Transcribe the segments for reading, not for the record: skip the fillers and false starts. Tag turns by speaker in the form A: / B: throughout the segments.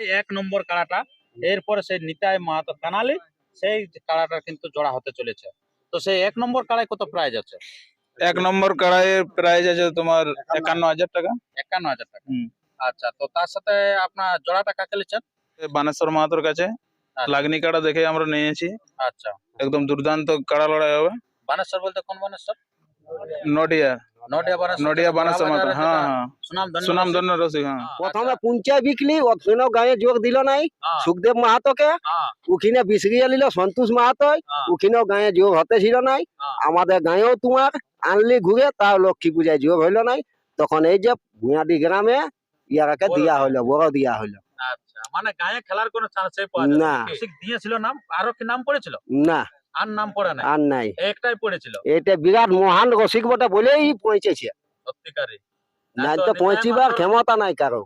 A: এক নম্বর কাড়াটা, এরপরে সেই নিতাই মাহাতো কানালি, সেই কাড়াটা কিন্তু জোড়া হতে চলেছে। তো সেই এক নম্বর কাড়ায় কত প্রাইজ আছে?
B: এক নম্বর কড়াইয়ের প্রাইস আছে তোমার 51,000 টাকা।
A: 51,000 টাকা। আচ্ছা, তো তার সাথে আপনার জোড়াটা কাকে নিচ্ছেন?
B: বানেশ্বর মাহাতোর কাছে
A: আচ্ছা,
B: লাগনি কাড়া দেখে আমরা নিয়েছি,
A: আচ্ছা।
B: একদম দুর্দান্ত কাড়া লড়াই হবে।
A: বানেশ্বর বলতে কোন বানেশ্বর?
B: নডিয়া,
A: নডিয়া বানেশ্বর।
B: নডিয়া বানেশ্বর মাহাতো, হ্যাঁ হ্যাঁ,
A: সুনামধন্য
B: সুনামধন্য রসিক, হ্যাঁ।
C: প্রথমে পুঞ্চা বিকলি ওখানেও গায়ে যোগ দিল নাই
A: হ্যাঁ,
C: সুখদেব মাহাতোকে,
A: হ্যাঁ,
C: ওখানে বিসরিয়ে নিল সন্তোষ মাহাতো,
A: হ্যাঁ,
C: ওখানেও গায়ে যোগ হতে ছিল নাই।
A: হ্যাঁ।
C: আমাদের গায়েও তোমার আনলি ঘুরে, তাও লক্ষ্মী পূজায় যোগ হইল নাই। তখন এই যে ভুঁয়াডি গ্রামে ইয়ারাকে
A: বড়
C: দিয়া
A: দিয়া।
C: হইলো, বড় দিয়া হইলো।
A: আচ্ছা, মানে গায়ে খেলার কোনো চান্সই পাওয়া যায়
C: না।
A: না। ঠিক দিয়েছিল নাম, আরো কি নাম পড়েছিল?
C: না,
A: আর নাম পড়ে নাই,
C: আর নাই।
A: একটাই পড়েছিল।
C: এটা বিরাট মহান রসিক বটে বলেই পৌঁছেছে,
A: সত্যিকারী।
C: নাই
A: তো
C: তো
A: নিতাই
C: পৌঁছিবার
A: মাহাতোর
C: ক্ষমতা নাই কারো।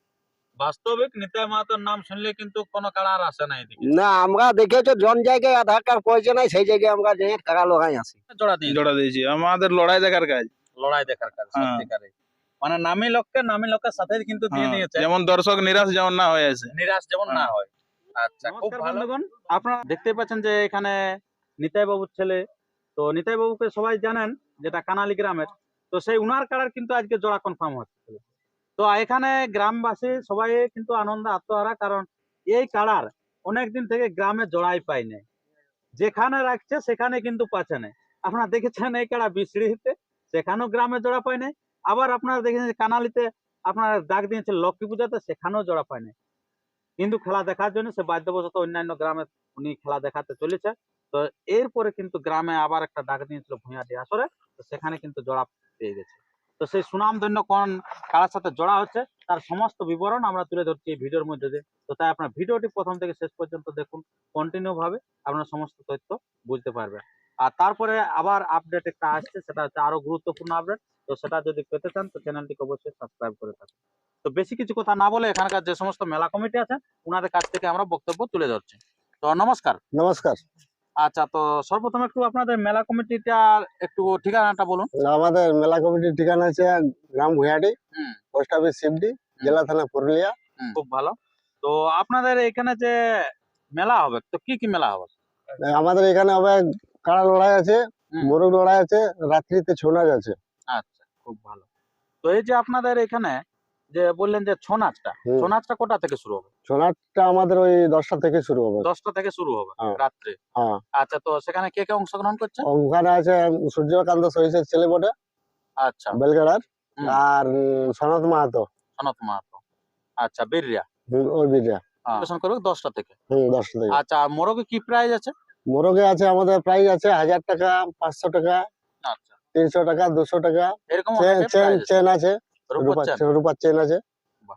A: বাস্তবিক নিতাই মাহাতোর নাম শুনলে কিন্তু কোনো কাড়া আর আসে না এদিকে।
C: না, আমরা দেখেছো জন জায়গায় আধার কার্ড পৌঁছে নাই, সেই জায়গায় আমরা যে টাকা লগাই আসি।
A: জোড়া দিয়ে
B: জোড়া দিয়েছি, আমাদের লড়াই দেখার কাজ।
A: লড়াই দেখার কাজ,
B: হ্যাঁ।
A: সত্যিকারী। মানে নামি লোকের সাথে কিন্তু দিয়ে
B: হ্যাঁ,
A: নিয়েছে,
B: যেমন দর্শক নিরাশ যেমন না হয়ে আছে।
A: নিরাশ যেমন না হয়। আচ্ছা, খুব ভালো। বন্ধুগণ, আপনারা দেখতে পাচ্ছেন যে এখানে নিতাই বাবুর ছেলে, তো নিতাই বাবুকে সবাই জানেন, যেটা কানালি গ্রামের। তো সেই উনার কাড়ার কিন্তু আজকে জোড়া কনফার্ম হচ্ছে। তো এখানে গ্রামবাসী সবাই কিন্তু আনন্দ আত্মহারা, কারণ এই কাড়ার অনেকদিন থেকে গ্রামে জোড়াই পাই নাই। যেখানে রাখছে সেখানে কিন্তু পাচ্ছে না। আপনারা দেখেছেন এই কাড়া বিসড়িতে, সেখানেও গ্রামে জোড়া পায় নাই। আবার আপনারা দেখেছেন যে কানালিতে আপনার ডাক দিয়েছে লক্ষ্মী পূজাতে, সেখানেও জোড়া পায় নাই। কিন্তু খেলা দেখার জন্য সে বাধ্যবশত অন্যান্য গ্রামে উনি খেলা দেখাতে চলেছে। তো এরপরে কিন্তু গ্রামে আবার একটা ডাক দিয়েছিল ভূঁয়াটি আসরে, তো সেখানে কিন্তু জোড়া পেয়ে গেছে। তো সেই সুনামধন্য কোন কারার সাথে জোড়া হচ্ছে তার সমস্ত বিবরণ আমরা তুলে ধরছি এই ভিডিওর মধ্যে দিয়ে। তো তাই আপনার ভিডিওটি প্রথম থেকে শেষ পর্যন্ত দেখুন, কন্টিনিউ ভাবে আপনার সমস্ত তথ্য বুঝতে পারবেন। আর তারপরে আবার আপডেট একটা আসছে, সেটা হচ্ছে আরো গুরুত্বপূর্ণ আপডেট। তো সেটা যদি পেতে চান তো চ্যানেলটিকে অবশ্যই সাবস্ক্রাইব করে থাকুন। তো বেশি কিছু কথা না বলে এখানকার যে সমস্ত মেলা কমিটি আছে ওনাদের কাছ থেকে আমরা বক্তব্য তুলে ধরছি। তো নমস্কার।
C: নমস্কার।
A: আচ্ছা, তো সর্বপ্রথম একটু আপনাদের মেলা কমিটিটা একটু ঠিকানাটা বলুন।
C: আমাদের মেলা কমিটির ঠিকানা আছে গ্রাম ভুঁয়াডি,
A: হুম,
C: পোস্ট অফিস শিবডি, জেলা থানা পুরুলিয়া।
A: খুব ভালো। তো আপনাদের এখানে যে মেলা হবে, তো কি কি মেলা হবে?
C: আমাদের এখানে হবে কাড়া লড়াই আছে,
A: হুম।
C: মোরগ লড়াই আছে, রাত্রিতে ছৌ নাচ আছে।
A: আচ্ছা, খুব ভালো। তো এই যে আপনাদের এখানে যে বললেন যে ছৌ নাচটা,
C: হুম।
A: ছৌ নাচটা কোটা থেকে শুরু হবে?
C: ছৌ নাচটা আমাদের ওই 10টা থেকে শুরু হবে।
A: 10টা থেকে শুরু হবে
C: হ্যাঁ।
A: রাত্রে।
C: হ্যাঁ,
A: আচ্ছা, তো সেখানে কে কে অংশগ্রহণ করছে?
C: ওখানে আছে সূর্যকান্ত সহিসের ছেলে বটে
A: আচ্ছা,
C: বেলগাড়ার,
A: হুম,
C: আর সনত মাহাতো।
A: সনত মাহাতো। আচ্ছা, বীররা
C: ওই বিটা।
A: পরিবেশন করবে 10টা থেকে।
C: 10টা থেকে।
A: আচ্ছা, আর মোরগে কি প্রাইস আছে?
C: মোরগে আছে আমাদের প্রাইস আছে 1000 টাকা, 500 টাকা,
A: আচ্ছা,
C: 300 টাকা, 200 টাকা।
A: এরকম অনেকের
C: চেন
A: প্রাইস আছে।
C: চেন আছে,
A: রূপোর চেন।
C: রূপার চেন আছে।
A: বাহ,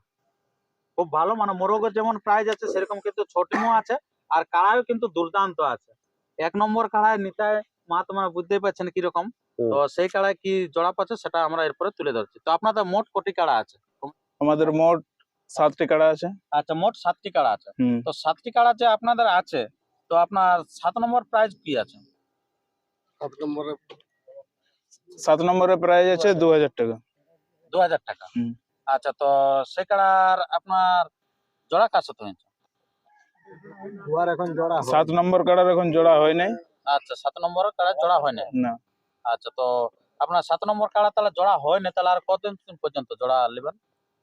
A: খুব ভালো। মানে মোরগের যেমন প্রাইস আছে সেরকম কিন্তু ছোটিমও আছে, আর কাড়াইও কিন্তু দুর্দান্ত আছে। এক নম্বর কাড়াই নিতাই মাহাতো, মানে বুঝতেই পারছেন কিরকম।
C: হুম।
A: তো সেই কাড়াই কি জোড়া পাচ্ছে সেটা আমরা এরপরে তুলে ধরছি। তো আপনাদের মোট কটি কাড়া আছে?
B: আমাদের মোট 7টি কাড়া আছে।
A: আচ্ছা, মোট 7টি কাড়া আছে।
B: হুম।
A: তো 7টি কাড়া যে আপনাদের আছে, তো আপনার 7 নম্বর প্রাইজ কি আছে?
B: 7 নম্বরে প্রাইস আছে 2000 টাকা।
A: 2000 টাকা।
B: হুম।
A: আচ্ছা, তো সে কাড়ার আপনার জোড়া কার সাথে হয়েছে?
C: এখন জোড়া
B: 7 নম্বর কাড়ার এখন জোড়া হয় নাই।
A: আচ্ছা, 7 নম্বরের কাড়া জোড়া হয় না।
B: না,
A: আচ্ছা, তো আপনার 7 নম্বর কাড়া তাহলে জোড়া হয় না, তাহলে আর কতদিন পর্যন্ত জোড়া নেবেন?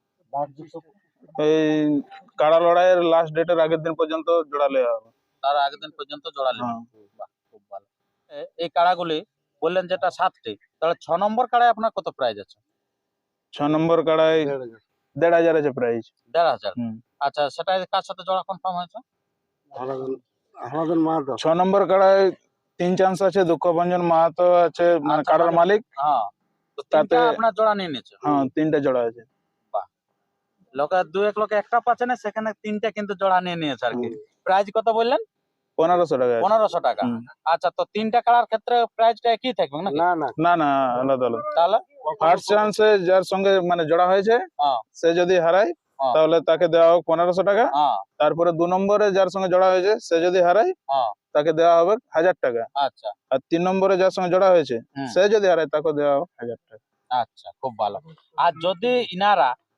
B: এই কাড়া লড়াইয়ের লাস্ট ডেটের আগের দিন পর্যন্ত জোড়া নেওয়া হবে।
A: তার আগের দিন পর্যন্ত জোড়া নেবেন।
B: হ্যাঁ।
A: বাহ, খুব ভালো। এই কাড়াগুলি বললেন যেটা 7টি, তাহলে 6 নম্বর কাড়ায় আপনার কত প্রাইজ আছে?
B: 6 নম্বর কাড়ায় 1500 আছে প্রাইস।
A: 1500।
B: হুম।
A: আচ্ছা, সেটা কার সাথে জোড়া কনফার্ম হয়েছে?
C: আমাদের মাহাতো।
B: 6 নম্বর কাড়ায় 3 চান্স আছে, দুঃখভঞ্জন মাহাতো আছে, মানে
A: আচ্ছা,
B: কাড়ার
A: মানে
B: মালিক।
A: হ্যাঁ, তো
B: তাতে
A: তিনটা আপনার জোড়া নিয়ে নিয়েছে।
B: হ্যাঁ 3টে জোড়া আছে।
A: বাহ, এক লোকে একটা পাচ্ছে না, সেখানে তিনটা কিন্তু জোড়া নিয়ে নিয়েছে আর কি। প্রাইজ কত বললেন?
B: 1500 টাকা আছে।
A: 1500 টাকা।
B: হুম।
A: আচ্ছা, তো তিনটা কাড়ার ক্ষেত্রে প্রাইজটা একই থাকবে নাকি?
C: না না,
B: না না, আলাদা আলাদা।
A: তাহলে
B: ফার্স্ট চান্সে যার সঙ্গে মানে জোড়া হয়েছে
A: হ্যাঁ,
B: সে যদি হারায়
A: হ্যাঁ,
B: তাহলে তাকে দেওয়া হোক 1500 টাকা।
A: হ্যাঁ,
B: তারপরে 2 নম্বরে যার সঙ্গে জোড়া হয়েছে সে যদি হারায়
A: হ্যাঁ,
B: তাকে দেওয়া হবে 1000 টাকা।
A: আচ্ছা,
B: আর 3 নম্বরে যার সঙ্গে জোড়া হয়েছে
A: হুম,
B: সে যদি হারায় তাকে দেওয়া হবে 1000 টাকা।
A: আচ্ছা, খুব ভালো। আর যদি ইনারা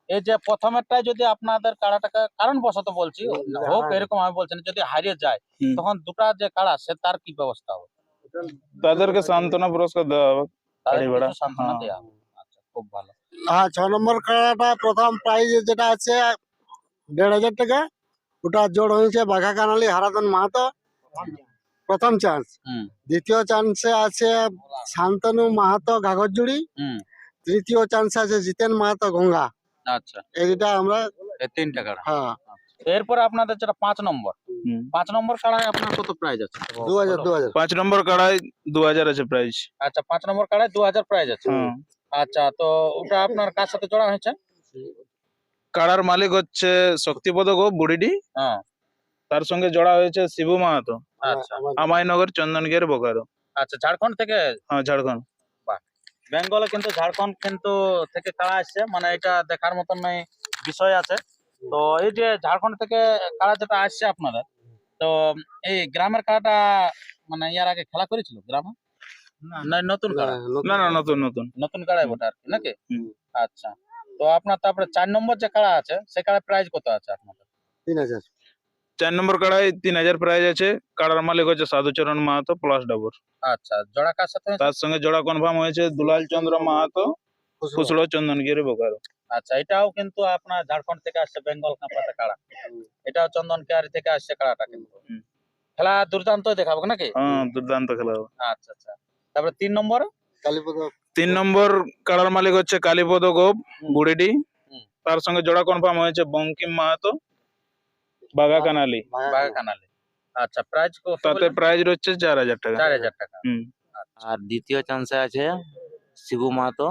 A: এই যে প্রথমেরটাই যদি আপনাদের কাড়াটাকে কারণ বশত বলছি হোক এরকম আমি বলছি না, যদি হারিয়ে যায়
B: হুম।
A: তখন দুটা যে কাড়া সে তার কি ব্যবস্থা হবে?
B: তাদেরকে সান্ত্বনা পুরস্কার দেওয়া হবে।
A: তাদের
B: গাড়ি ভাড়া,
A: কিছু সান্ত্বনা
B: হ্যাঁ।
A: দেওয়া হবে। আচ্ছা, খুব ভালো।
D: হ্যাঁ 6 নম্বর খেলাটা প্রথম প্রাইজ যেটা আছে 1,500 টাকা, ওটা জোড় হয়েছে বাঘা কানালি হারাধন মাহাতো, প্রথম চান্স।
A: হুম
D: দ্বিতীয় চান্সে আছে শান্তনু মাহাতো ঘাগরজুড়ি,
A: হুম।
D: তৃতীয় চান্সে আছে জিতেন মাহাতো গঙ্গা।
A: আচ্ছা,
D: এইটা আমরা
A: এই 3টা কাড়া।
D: হ্যাঁ
A: এরপরে আপনাদের যেটা 5 নম্বর,
B: হুম।
A: 5 নম্বর কাড়ায় আপনার কত প্রাইজ আছে?
D: 2000
B: 5 নম্বর কাড়ায় 2000 আছে প্রাইস।
A: আচ্ছা, 5 নম্বর কাড়ায় 2000 প্রাইজ আছে।
B: হ্যাঁ।
A: আচ্ছা, তো ওটা আপনার কার সাথে জোড়া হয়েছে?
B: কাড়ার মালিক হচ্ছে শক্তিপদ গো বুড়িডি,
A: হ্যাঁ।
B: তার সঙ্গে জোড়া হয়েছে শিবু মাহাতো,
A: আচ্ছা
B: আমাইনগর চন্দনগির বোকারো।
A: আচ্ছা, ঝাড়খণ্ড থেকে?
B: হ্যাঁ, ঝাড়খণ্ড।
A: বেঙ্গলে কিন্তু ঝাড়খণ্ড কিন্তু থেকে কাড়া আসছে, মানে এটা দেখার মতন নয় বিষয় আছে। তো এই যে ঝাড়খণ্ড থেকে কাড়া যেটা আসছে আপনাদের, তো এই গ্রামের কাড়াটা মানে ইয়ার আগে খেলা করেছিল গ্রামে না নতুন কাড়া?
B: না না, নতুন নতুন।
A: নতুন কাড়াই বটে আর কি, নাকি?
B: হুম।
A: আচ্ছা, তো আপনার তারপরে 4 নম্বর যে কাড়া আছে সে কাড়ার প্রাইস কত আছে আপনাদের?
D: 3000।
B: 4 নম্বর কাড়ায় 3000 প্রাইজ আছে। কাড়ার মালিক হচ্ছে সাধুচরণ মাহাতো প্লাস ডাবর।
A: আচ্ছা, জোড়া কার সাথে হয়েছে?
B: তার সঙ্গে জোড়া কনফার্ম হয়েছে দুলাল চন্দ্র মাহাতো, ফুসড়ো চন্দনগিরি বোকারো।
A: আচ্ছা, এটাও কিন্তু আপনার ঝাড়খণ্ড থেকে আসছে, বেঙ্গল কাঁপাতে কাড়া। এটাও চন্দন কেয়ারি থেকে আসছে কাড়াটা কিন্তু।
B: হুম।
A: খেলা দুর্দান্ত দেখাবো নাকি?
B: হ্যাঁ, দুর্দান্ত খেলা হবে।
A: আচ্ছা আচ্ছা, তারপরে 3 নম্বর?
D: কালীপদ
B: 3 নম্বর কাড়ার মালিক হচ্ছে কালীপদ গোপ বুড়িডি,
A: হুম।
B: তার সঙ্গে জোড়া কনফার্ম হয়েছে বঙ্কিম মাহাতো, বাঘা কানালি।
A: বাঘা কানালি। আচ্ছা, প্রাইস কত?
B: তাতে প্রাইজ রয়েছে 4000 টাকা।
A: 4000 টাকা।
B: হুম।
E: আর দ্বিতীয় চান্সে আছে শিবু মাহাতো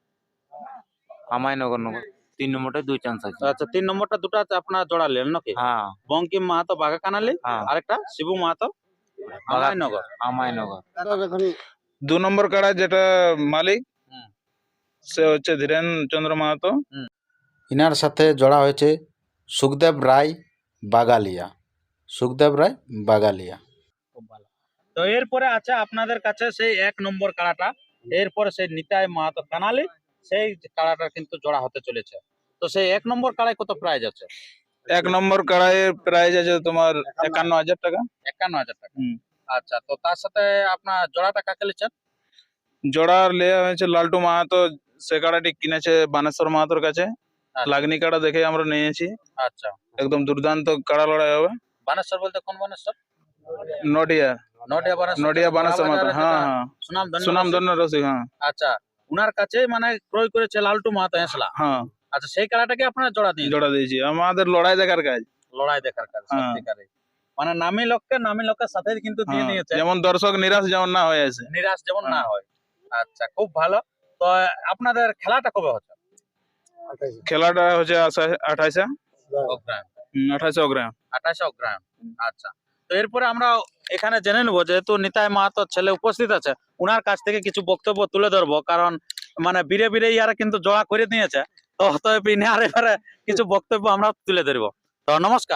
E: আমায়নগর নগর। 3 নম্বরটা 2 চান্স আছে।
A: আচ্ছা, 3 নম্বরটা দুটো আছে আপনারা জোড়ালেন নাকি?
E: হ্যাঁ
A: বঙ্কিম মাহাতো বাঘা কানালি,
E: হ্যাঁ
A: আরেকটা শিবু মাহাতো আমায়নগর।
E: আমায়নগর।
D: এখন
B: 2 নম্বর কাড়া যেটা মালিক
A: হুম।
B: সে হচ্ছে ধীরেন চন্দ্র মাহাতো।
F: ইনার সাথে জড়া হয়েছে সুখদেব রায় বাগালিয়া। সুখদেব রায় বাগালিয়া।
A: খুব ভালো। তো এরপরে আছে আপনাদের কাছে সেই 1 নম্বর কাড়াটা, এরপরে সেই নিতাই মাহাতো কানালি, সেই কাড়াটা কিন্তু জোড়া হতে চলেছে। তো সেই 1 নম্বর কাড়ায় কত প্রাইজ আছে?
B: 1 নম্বর কাড়াইয়ের প্রাইজ আছে তোমার 51000 টাকা।
A: 51000 টাকা।
B: হুম।
A: আচ্ছা, তো তার সাথে আপনার জোড়াটা কাকে লিখছেন?
B: জোড়া লেয়া হয়েছে লালটু মাহাতো, সে কাড়াটি কিনেছে বানেশ্বর মাহাতোর কাছে।
A: আচ্ছা।
B: লাগনি কাড়া দেখে আমরা নিয়েছি,
A: আচ্ছা,
B: একদম দুর্দান্ত কাড়া লড়াই হবে।
A: বানেশ্বর বলতে কোন বানেশ্বর?
B: নডিয়া,
A: নডিয়া বানেশ্বর।
B: নডিয়া বানেশ্বর মাহাতো। হ্যাঁ হ্যাঁ,
A: সুনাম
B: সুনাম ধন্য রসিক। হ্যাঁ
A: আচ্ছা, উনার কাছে মানে ক্রয় করেছে লালটু মাহাতো হেসলা।
B: হ্যাঁ,
A: আচ্ছা, সেই কাড়াটাকে আপনারা জোড়া দিয়ে
B: জোড়া দিয়েছি। আমাদের লড়াই দেখার কাজ।
A: লড়াই দেখার কাজ
B: হ্যাঁ।
A: সত্যিকারে, মানে নামি লোকের সাথে কিন্তু দিয়ে
B: হ্যাঁ,
A: দিয়েছে,
B: যেমন দর্শক নিরাশ যেমন না হয়ে আছে।
A: নিরাশ যেমন না
B: হ্যাঁ।
A: হয়। আচ্ছা, খুব ভালো। তো আপনাদের খেলাটা কবে হচ্ছে?
B: খেলাটা হচ্ছে 28
A: অগ্রায়ণ।
B: 28 অগ্রায়ণ।
A: 28 অগ্রায়ণ। আচ্ছা, তো এরপরে আমরা এখানে জেনে নেবো, যেহেতু নিতাই মাহাতোর ছেলে উপস্থিত আছে, উনার কাছ থেকে কিছু বক্তব্য তুলে ধরবো, কারণ মানে বীরে বীরে ইয়ারা কিন্তু জড়া করে নিয়েছে। তো অতএব ইনার এবারে কিছু বক্তব্য আমরা তুলে ধরবো। তো নমস্কার।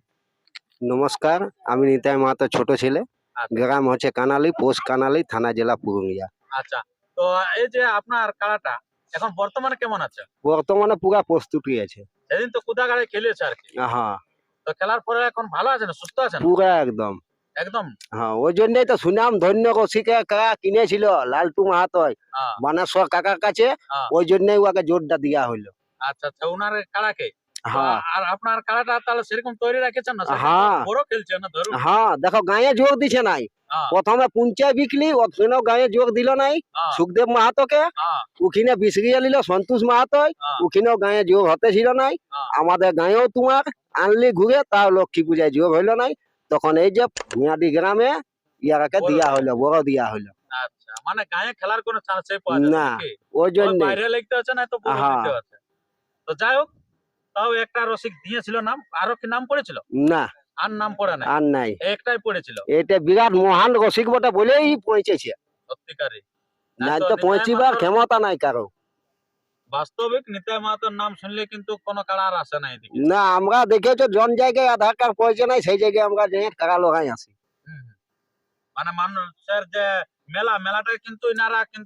C: নমস্কার, আমি নিতাই মাহাতো ছোট ছেলে,
A: আচ্ছা।
C: গ্রাম হচ্ছে কানালি, পোস্ট কানালি, থানা জেলা পুরুলিয়া।
A: আচ্ছা, তো এই যে আপনার কাড়াটা এখন বর্তমানে কেমন আছে?
C: বর্তমানে পুরা প্রস্তুতি আছে।
A: সেদিন তো কুদাগাড়ে খেলেছে আর কি,
C: হ্যাঁ,
A: তো খেলার পরে এখন ভালো আছে না, সুস্থ আছে না?
C: পুরা একদম।
A: একদম।
C: হ্যাঁ, ওই জন্যই তো সুনাম ধন্য রসিকে কাকা কিনেছিল লালটু মাহাতো
A: হ্যাঁ,
C: বানেশ্বর কাকার কাছে,
A: হ্যাঁ।
C: ওই জন্যই ওকে জোরটা দেওয়া হইলো।
A: আচ্ছা আচ্ছা, উনার কাড়াকে। তো
C: হ্যাঁ
A: আর আপনার কাড়াটা তাহলে সেরকম তৈরি রেখেছেন না? সেদিন তো
C: হ্যাঁ।
A: বড় খেলছে না ধরুন।
C: হ্যাঁ, দেখো গায়ে জোর দিছে নাই,
A: হ্যাঁ,
C: প্রথমে পুঞ্চায় বিকলি, ওখানেও গায়ে জোর দিল নাই
A: হ্যাঁ,
C: সুখদেব মাহাতোকে,
A: হ্যাঁ,
C: ওখানে বিসরিয়ে নিল সন্তোষ মাহাতো,
A: হ্যাঁ,
C: ওখানেও গায়ে জোর হতে ছিল নাই।
A: হ্যাঁ।
C: আমাদের গায়েও তোমার আনলি ঘুরে, তাও লক্ষ্মী পূজায় জোর হইলো নাই। তখন এই যে ভুঁয়াদি গ্রামে ইয়ারাকে
A: বড়
C: দিয়া
A: দেওয়া।
C: হইলো, বড় দিয়া হইলো।
A: আচ্ছা, মানে গায়ে খেলার কোনো চান্সই পাওয়া যায়
C: না,
A: নাকি?
C: ওই
A: ওই
C: জন্য
A: বাইরে লিখতে হচ্ছে না তো পুরো
C: হ্যাঁ।
A: দিতে হচ্ছে। তো যাই হোক, তাও একটা রসিক দিয়েছিল নাম, আরো কি নাম পড়েছিল?
C: না,
A: আর নাম পড়ে নাই,
C: আর নাই।
A: একটাই পড়েছিল।
C: এটা বিরাট মহান রসিক বটে বলেই পৌঁছেছে,
A: সত্যিকারে।
C: নাই
A: এত
C: তো
A: নিতাই
C: পৌঁছিবার
A: মাহাতোর-
C: ক্ষমতা নাই কারো।
A: বাস্তবিক নিতাই মাহাতোর নাম শুনলে কিন্তু কোনো কাড়া আর আসে না এদিকে।
C: না, আমরা দেখেছো জন জায়গায় আধার কার্ড পৌঁছে নাই, সেই জায়গায় আমরা যে কাকা লোকাই আসি।
A: হুম, হুম। মানে মানুষের যে মেলাটা কিন্তু ইনারা কিন্তু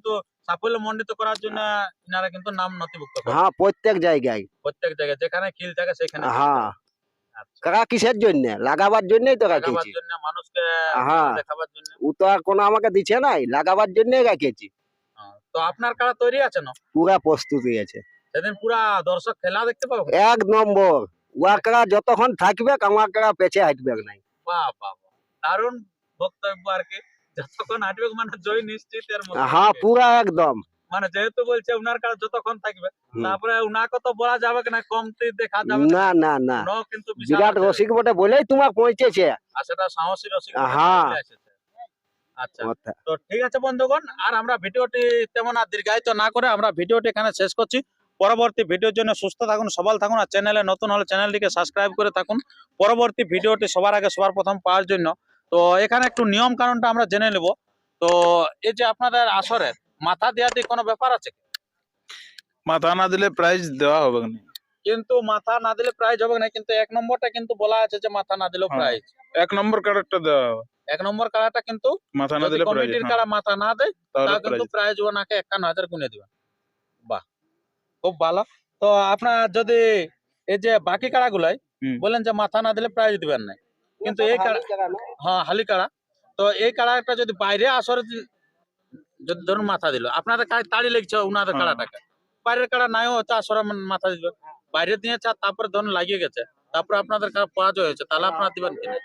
A: সাফল্য মণ্ডিত করার জন্য ইনারা কিন্তু নাম নথিভুক্ত করে
C: হ্যাঁ প্রত্যেক জায়গায়।
A: প্রত্যেক জায়গায়, যেখানে খিল থাকে সেখানে খিল
C: হ্যাঁ
A: থাকে। আচ্ছা,
C: কাকা কিসের জন্য? লাগাবার জন্যই তো
A: লাগাবার
C: রাখেছি।
A: জন্য, মানুষকে
C: হ্যাঁ।
A: দেখাবার জন্য।
C: ও তো আর কোনো আমাকে দিচ্ছে নাই, লাগাবার জন্যই রাখেছি।
A: তো আপনার কাড়া তৈরি আছে না?
C: পুরা প্রস্তুতি আছে
A: সেদিন পুরা দর্শক খেলা দেখতে পাবো।
C: এক নম্বর। ওয়াকড়া যতক্ষণ থাকবে আমার কাড়া পেছে হাঁটবে নাই।
A: বাহ বাহ বাহ, দারুণ বক্তব্য আর কি। যতক্ষণ হাঁটবে মানে জয় নিশ্চিত এর মতো
C: হ্যাঁ
A: আর কি।
C: পুরা একদম।
A: মানে যেহেতু বলছে উনার কাছে যতক্ষণ থাকবে,
C: হুম।
A: তারপরে উনাকে তো বলা যাবে না, কমতি দেখা যাবে
C: না না না,
A: উনাও কিন্তু বিশাল
C: বিরাট
A: আছে।
C: রসিক বটে বলেই তোমার পৌঁছেছে।
A: আর সেটা সাহসী রসিক
C: হ্যাঁ।
A: বলে এসেছে। আচ্ছা,
C: ওটা।
A: তো ঠিক আছে বন্ধুগণ, আর আমরা ভিডিওটি তেমন আর দীর্ঘায়িত না করে আমরা ভিডিওটি এখানে শেষ করছি। পরবর্তী ভিডিওর জন্য সুস্থ থাকুন, সবল থাকুন, আর চ্যানেলে নতুন হলে চ্যানেলটিকে সাবস্ক্রাইব করে থাকুন পরবর্তী ভিডিওটি সবার আগে সবার প্রথম পাওয়ার জন্য। তো এখানে একটু নিয়ম কানুনটা আমরা জেনে নেব। তো এই যে আপনাদের আসরের মাথা দেওয়াতে কোনো ব্যাপার আছে?
B: মাথা না দিলে প্রাইজ দেওয়া হবে না।
A: কিন্তু মাথা না দিলে প্রাইজ হবে না, কিন্তু 1 নম্বরটা কিন্তু বলা আছে যে মাথা না দিলেও
B: হ্যাঁ।
A: প্রাইজ।
B: 1 নম্বর কার্ডটা দেওয়া হবে,
A: 1 নম্বর কাড়াটা কিন্তু
B: মাথা না
A: যদি
B: দিলে প্রাইজ।
A: কমিটির কাড়া মাথা না দেয়
B: তাহলে
A: তাহলে কিন্তু
B: প্রাইজ।
A: প্রাইজ ওনাকে 51,000 গুনে দিবেন। বাহ, খুব ভালো। তো আপনার যদি এই যে বাকি কাড়াগুলাই
B: হুম।
A: বলেন যে মাথা না দিলে প্রাইজ দিবেন না, কিন্তু এই কাড়া, হ্যাঁ হালি কাড়া, তো এই কাড়াটা যদি বাইরে আসরে যদি ধরুন মাথা দিল, আপনাদের তাড়ি লেগছে উনাদের
B: হ্যাঁ।
A: কাড়াটাকে, বাইরের কাড়া নাইও হচ্ছে আসরে মাথা দিবে, বাইরে দিয়েছে আর তারপরে ধরুন লাগিয়ে গেছে, তারপরে আপনাদের কাড়া পরাজয় হয়েছে, তাহলে আপনারা দিবেন কিনা?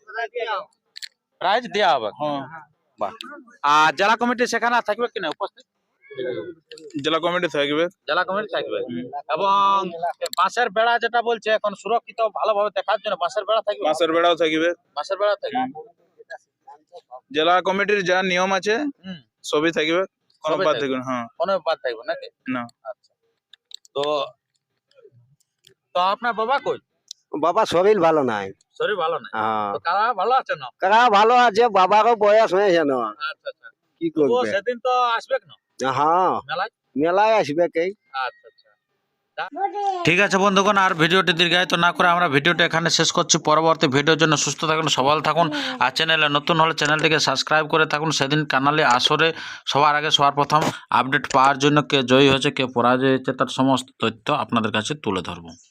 A: প্রাইজ দেওয়া হবে।
B: হ্যাঁ।
A: বাহ। আর জেলা কমিটি সেখানে থাকবে কিনা উপস্থিত?
B: জেলা কমিটি থাকবে।
A: জেলা কমিটি থাকবে, এবং বাঁশের বেড়া যেটা বলছে এখন সুরক্ষিত ভালোভাবে দেখার জন্য বাঁশের বেড়া থাকবে।
B: মাসের বেড়াও থাকবে।
A: বাঁশের বেড়া থাকবে।
B: জেলা কমিটির যা নিয়ম আছে
A: হুম,
B: সবই থাকবে, কোনো
A: সবই
B: বাদ
A: থাকবে।
B: থাকবে না। হ্যাঁ।
A: কোনো বাদ থাকবে নাকি?
B: না।
A: আচ্ছা, তো তো আপনার বাবা কই?
C: বাবা শরীর ভালো নাই।
A: শরীর ভালো না?
C: হ্যাঁ।
A: তো কারা ভালো আছে না?
C: কারা ভালো আছে, বাবারও বয়স হয়েছে না,
A: আচ্ছা আচ্ছা,
C: কি
A: তো
C: করবে।
A: সেদিন তো আসবে না
C: হ্যাঁ
A: মেলায়?
C: মেলায় আসবে কে।
A: আচ্ছা আচ্ছা, ঠিক আছে বন্ধুগণ, আর ভিডিওটি দীর্ঘায়িত না করে আমরা ভিডিওটি এখানে শেষ করছি। পরবর্তী ভিডিওর জন্য সুস্থ থাকুন, সবল থাকুন, আর চ্যানেলে নতুন হলে চ্যানেলটিকে সাবস্ক্রাইব করে থাকুন। সেদিন কানালে আসরে সবার আগে সবার প্রথম আপডেট পাওয়ার জন্য কে জয়ী হয়েছে কে পরাজয় হয়েছে তার সমস্ত তথ্য আপনাদের কাছে তুলে ধরবো।